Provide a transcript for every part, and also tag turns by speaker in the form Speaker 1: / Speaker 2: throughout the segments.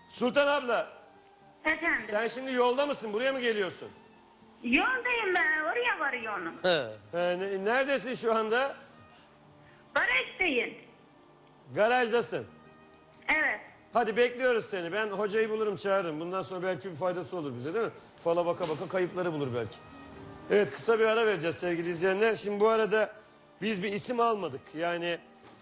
Speaker 1: Sultan abla,
Speaker 2: Efendim.
Speaker 1: sen şimdi yolda mısın? Buraya mı geliyorsun?
Speaker 2: Yoldayım ben. Oraya varıyorum.
Speaker 1: Neredesin şu anda?
Speaker 2: Barış'tayım.
Speaker 1: Garajdasın.
Speaker 2: Evet.
Speaker 1: Hadi bekliyoruz seni. Ben hocayı bulurum, çağırırım. Bundan sonra belki bir faydası olur bize, değil mi? Fala baka baka kayıpları bulur belki. Evet, kısa bir ara vereceğiz sevgili izleyenler. Şimdi bu arada biz bir isim almadık. Yani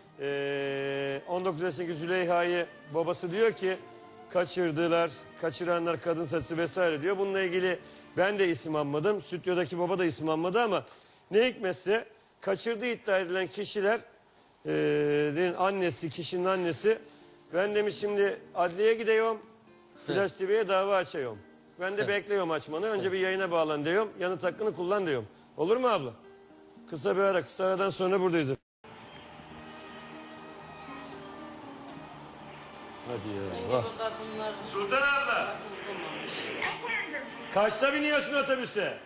Speaker 1: 19 yaşındaki Züleyha'yı babası diyor ki kaçırdılar, kaçıranlar kadın saçı vesaire diyor. Bununla ilgili ben de isim almadım. Stüdyodaki baba da isim almadı ama ne hikmetse kaçırdığı iddia edilen kişiler annesi, kişinin annesi. Ben demiş şimdi adliyeye gidiyorum, Flash TV'ye dava açıyorum. Ben de bekliyorum açmanı. Önce bir yayına bağlan diyorum. Yanıt hakkını kullan diyorum. Olur mu abla? Kısa bir ara, kısa aradan sonra buradayız. Hadi ya. Sultan abla.
Speaker 2: Efendim.
Speaker 1: Kaçta biniyorsun otobüse?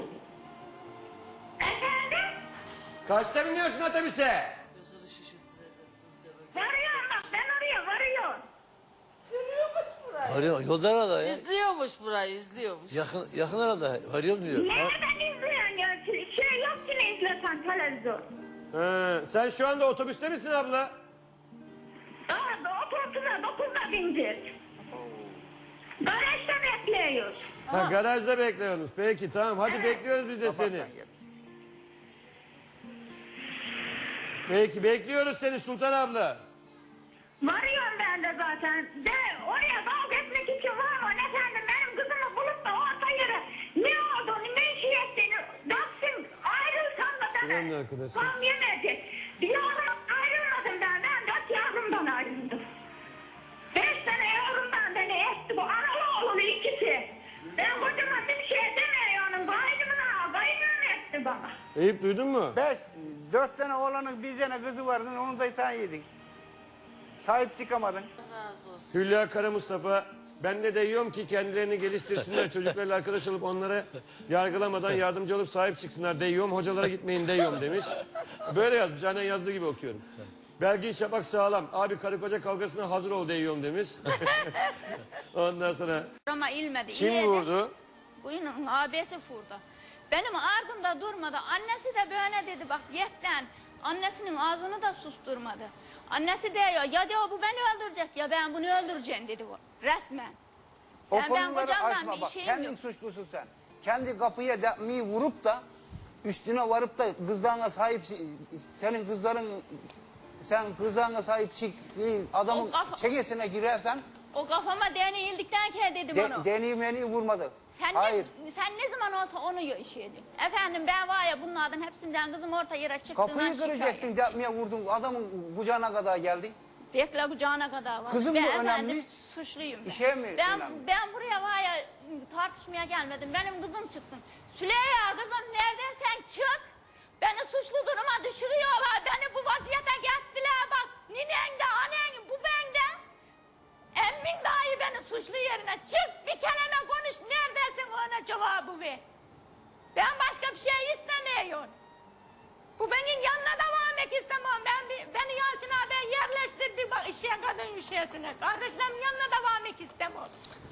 Speaker 2: Efendim.
Speaker 1: Kaçta biniyorsun otobüse?
Speaker 2: Varıyorum bak. Ben oraya varıyorum.
Speaker 3: Arıyor, yolda arada ya.
Speaker 4: İzliyormuş burayı, izliyormuş.
Speaker 3: Yakın arada. Arıyorum diyor.
Speaker 2: Nereden izliyorsun ya? Şey yok ki ne izlesen televizyon.
Speaker 1: Sen şu anda otobüste misin abla?
Speaker 2: Daha otobüse 9'da bineceğiz. Barış'ta bekliyoruz.
Speaker 1: Ha, garajda bekliyorsunuz. Peki tamam, hadi bekliyoruz biz de seni. Peki bekliyoruz seni Sultan abla.
Speaker 2: Varıyorum ben de zaten. De oraya kavga etmek için varmam efendim. Benim kızımı bulup da orta yere ne olduğunu, ne işi ettiğini baksın. Ayrılsam da
Speaker 1: Selamün
Speaker 2: bana
Speaker 1: arkadaşlar.
Speaker 2: tam yemeyecek. Bir yavrum ayrılmadım ben. Ben 4 yavrumdan ayrıldım. 5 tane yavrumdan beni etti bu. Analı oğlunu ikisi. Ben kocama bir şey demiyorum. Kaynımı etti bana.
Speaker 1: Eyüp duydun mu?
Speaker 5: 4 tane oğlanın bir tane kızı vardı, onu da sen yedin. Sahip çıkamadın.
Speaker 4: Razı olsun.
Speaker 1: Hülya Kara Mustafa, ben de diyorum ki kendilerini geliştirsinler, çocuklarla arkadaş olup onlara yargılamadan yardımcı olup sahip çıksınlar diyorum, hocalara gitmeyin diyorum demiş. Böyle yazmış, aynen yazdığı gibi okuyorum. Belgin Şafak sağlam, abi karı koca kavgasına hazır ol diyorum demiş. Ondan sonra
Speaker 6: Ama ilmedi.
Speaker 1: kim
Speaker 6: iyiydi.
Speaker 1: vurdu?
Speaker 6: Bunun abisi vurdu. Benim ardımda durmadı. Annesi de böyle dedi bak yetten. Annesinin ağzını da susturmadı. Annesi diyor ya diyor bu beni öldürecek ya ben bunu öldüreceğim dedi o. Resmen.
Speaker 5: O
Speaker 6: Ben
Speaker 5: konuları
Speaker 6: kocamdan
Speaker 5: açma
Speaker 6: bir
Speaker 5: bak.
Speaker 6: şeyim
Speaker 5: Kendin
Speaker 6: yok.
Speaker 5: suçlusun sen. Kendi kapıya demeyi vurup da üstüne varıp da kızlarına sahip, senin kızların, sen kızlarına sahip adamın
Speaker 6: O kafa-
Speaker 5: çekesine girersen
Speaker 6: O kafama değneğildikten kere dedim onu.
Speaker 5: deneyimeni vurmadı.
Speaker 6: Sen
Speaker 5: Hayır.
Speaker 6: sen ne zaman olsa onu işledin. Efendim ben var ya bunlardan hepsinden kızım orta yere çıktığından
Speaker 5: Kapıyı kıracaktın, demeye vurdun, adamın kucağına kadar geldin.
Speaker 6: Bekle kucağına kadar var.
Speaker 5: Kızım
Speaker 6: ben
Speaker 5: mı
Speaker 6: efendim
Speaker 5: önemli?
Speaker 6: Suçluyum ben.
Speaker 5: İşe mi
Speaker 6: ben,
Speaker 5: önemli?
Speaker 6: Ben buraya var ya tartışmaya gelmedim. Benim kızım çıksın. Süleyha kızım neredeysen çık. Beni suçlu duruma düşürüyorlar. Beni bu vaziyete gettiler bak. Ninen de annen bu bende. Emmin dahi beni suçlu yerine çık bir kelime konuş. Neredesin ona cevabı ver. Ben başka bir şey istemiyorum. Bu benim yanına devam etmek istemiyorum. Beni Yalçın abi yerleştirdi bak işe kadın işesine. Kardeşlerim yanına devam etmek istemiyorum.